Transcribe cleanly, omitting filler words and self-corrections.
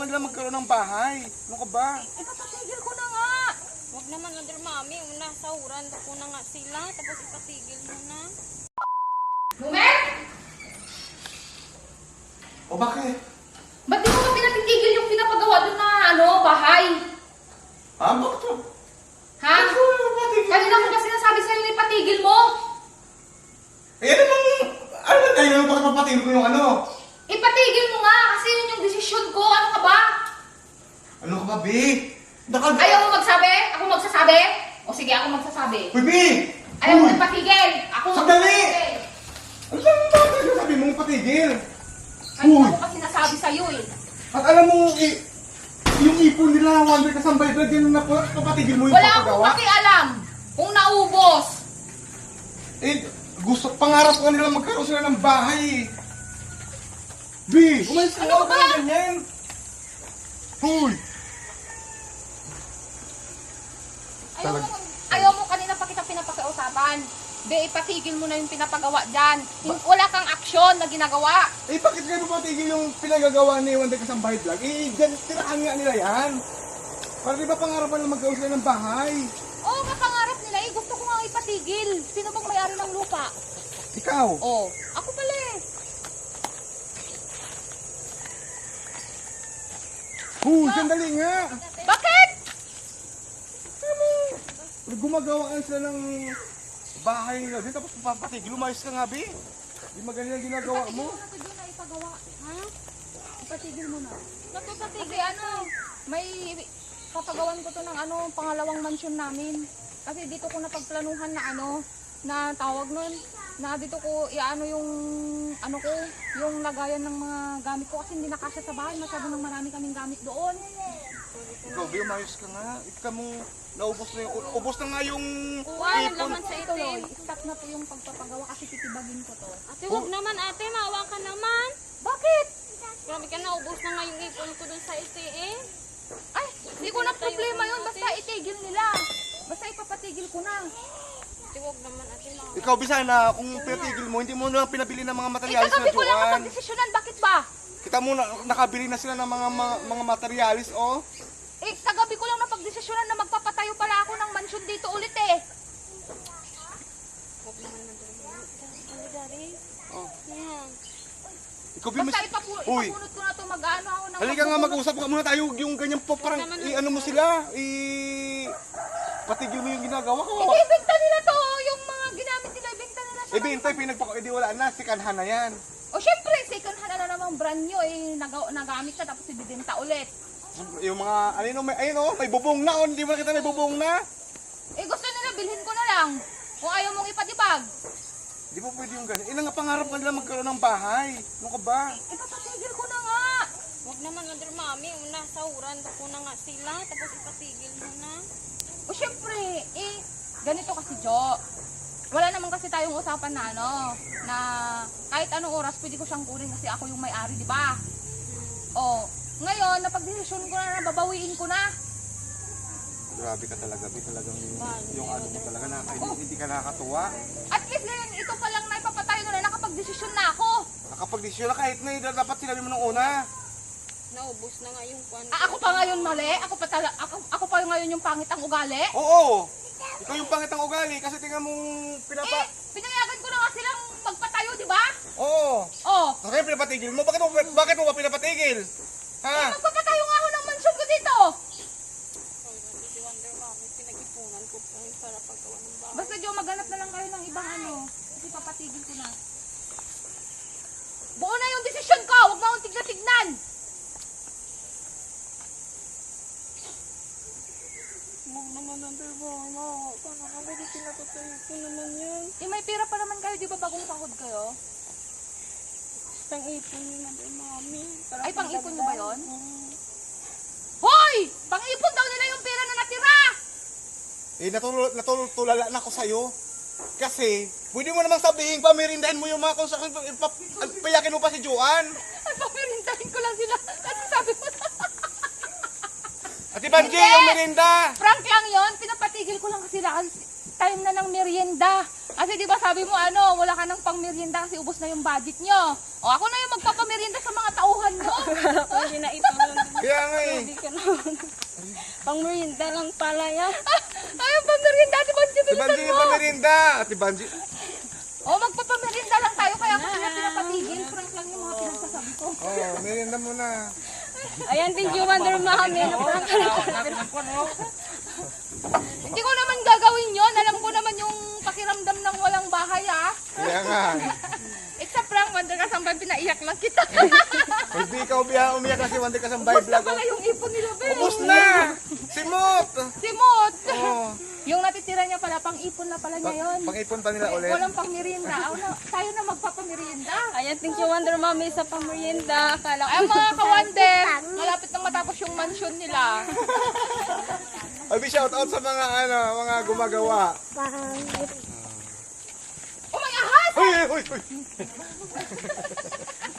nila magkaroon ng bahay. Ano ka ba? Ipapatigil ko na nga. Huwag naman, Wonder Mami. Una, sahuran ko na nga sila. Tapos ipatigil mo na. Lumer? O bakit? Ba't di mo pa pinatigil yung pinapagawa doon na bahay? Bakit to? Ha? Kanina ko ba sinasabi sa'yo na ipatigil mo? Eh, ano ba tayo? Bakit mapatigil ko yung ano? Ipatigil mo nga kasi yun yung desisyon ko. Ano ka ba? Ano ka ba, Bi? Ayaw mo magsabi? Ako magsasabi? O sige, ako magsasabi. Uy, Bi! Ayaw mo ipatigil? Ako Sandali! magsasabi. Ano ba sabi mong patigil? Kanina ko pa sinasabi sa'yo eh. At alam mo, yung ipon nila, Wonder Kasambay Vlog, yan na po, papatigil mo yung Wala akong papagawa? pakialam kung naubos. Pangarap ka nila magkaroon sila ng bahay. Bi, umalis ka Ano na ba? ganyan. Hoy! Ayaw mo kanina pa kita pinapakiusapan. Be, ipatigil mo na yung pinapagawa dyan. Wala kang aksyon na ginagawa. Bakit kayo papatigil yung pinagagawa ni Wonder Kasambay Vlog? Dyan, tirahan nga nila yan. Para di ba pangarapan nila magkaroon sila ng bahay? Oo, kapangarap nila eh. Gusto ko nga ipatigil. Sino bang may-ari ng lupa? Ikaw? Oo. Ako pala eh. Sandali nga. Bakit? Gumagawa sila ng bahay nila din, tapos papatigil. Umayos ka nga, Bi. Di magaling ang ginagawa mo. Ipatigil mo na ito na ipagawa. Ha? Ipatigil mo na. Napapatigil Kasi may papagawan ko to ng pangalawang mansyon namin. Kasi dito ko napagplanuhan na na tawag nun, na dito ko yung lagayan ng mga gamit ko kasi hindi nakasya sa bahay, masyado nang marami kaming gamit doon. Ikaw, Bi, umayos ka nga. Ikaw mong naubos na yung, ubos na nga yung Wala ipon. naman sa Tuloy, itim. stop na po yung pagpapagawa kasi titibagin ko to. Ate, huwag naman ate. Maawa ka naman. Bakit? Grabe ka na. Ubos na nga yung ipon ko dun sa itim. Ay, hindi ko na problema yun, basta itigil nila. Basta ipapatigil ko na. Ate, huwag naman ate. Maawa. Ikaw, Bi, sana kung pinatigil mo, hindi mo na pinabili ng mga materialis Kagabi na ko lang Joan. napagdesisyonan, bakit ba? Kita mo, nakabili na sila ng mga materialis, oh. Kagabi ko lang napagdesisyonan na magpapatayo pala ako ng mansyon dito ulit eh. Huwag naman Ano, Dari? Oh. Yan. Ikaw, Bi, Basta Uy, ipapunot ko na to mag-ano ako ng halika nga, mag-usap ka muna tayo. Yung ganyan po, parang, ano mo sila, patigil mo yung ginagawa ko. Ibenta nila to, yung mga ginamit nila, ibenta nila sa Bintay, wala na, sikanhan na yan. O syempre, second hand na namang brand nyo nagamit na tapos ibibenta ulit. Yung mga, may bubong na, hindi mo nakita may bubong na. Gusto nila, bilhin ko na lang. Kung ayaw mong ipatibag. Di ba pwede yung ganyan? Ilang nga pangarap ka nila magkaroon ng bahay. Ano ka ba? Ipapatigil ko na nga. Huwag naman, Wonder Mami. Una, sahuran ko na nga sila. Tapos ipatigil mo na. O syempre, ganito kasi Jo. Wala naman kasi tayong usapan na na kahit anong oras pwede ko siyang kunin kasi ako yung may-ari, di ba? O, ngayon, napag-desisyon ko na babawiin ko na. Grabe ka talaga, talagang yung ano mo talaga, hindi ka nakakatuwa. At least ngayon, ito pa lang na ipapatayo ko na nakapag-desisyon na ako. Nakapag-desisyon na kahit na dapat sinabi mo nung una. Naubos na nga yung kwan. Ako pa ngayon mali? Ako pa ngayon yung pangit ang ugali? Oo! Ikaw yung pangit ang ugali kasi tingnan mong Pinayagan ko na nga silang magpatayo, di ba? Oo! Oh. Kaya pinapatigil mo? Bakit mo ba pinapatigil? Ha? Magpapatayo nga ako ng mansyon ko dito. Si Wonder Mami, pinag-ipunan ko po yung para paggawa ng bahay. Basta Jo, maghanap na lang kayo ng ibang kasi papatigil ko na. Buo na yung desisyon ko, huwag mo akong tignan-tignan. Huwag naman, Wonder Mami. Maawa ka na. Kapag pinapatayo ko naman yan. May pera pa naman kayo, di ba bagong sahod kayo? Pang-ipon yun, Wonder Mami. Ay, pang-ipon nyo ba yun? Hoy! Pang-ipon daw nila yung pera na natira! Natulala na ako sa'yo. Kasi, pwede mo namang sabihin, pamirindahin mo yung mga construction, payakin mo pa si Joan. Ay, papirintahin ko lang sila. Kasi sabi mo na. Ate Banji, yung merinda. Prank lang yon, pinapatigil ko lang kasi time na ng merienda. Kasi di ba sabi mo wala ka ng pang merienda kasi ubos na yung budget nyo. O ako na yung magpapamerienda sa mga tauhan nyo. Hindi na ito. Kaya nga eh. Hindi ka naman. Pang merienda lang pala yan. Ay, ang pamerinda, Ate Banji, Si bilisan Banji mo. yung pamirinda. Ate Banji. Oh, magpapamerinda lang tayo, kaya ako sila pinapatigil. Prank lang yung mga pinagsasabi ko. Oh, merienda muna. Ayan, thank you, Wonder Mami. Naparang ka lang. Hindi ko naman gagawin yon. Alam ko naman yung pakiramdam ng walang bahay, ah. Kaya nga. It's a prank, Wonder Kasambay, pinaiyak lang kita. Hindi ikaw umiyak kasi Wonder Kasambay Ubus na vlog. pala yung ipon nila, be. Ubus na! Simot! Simot. Oh. Yung natitira niya pala, pang-ipon na pala niya yun. Pang-ipon pa nila ulit. Walang pang-merienda. Tayo na magpapamerienda. Ayan, thank you, Wonder Mami, sa pang merienda. Akala ko. Ay, mga kawander, malapit nang matapos yung mansion nila. Abi, shout out sa mga mga gumagawa. Oh, may ahas! Uy, uy, uy.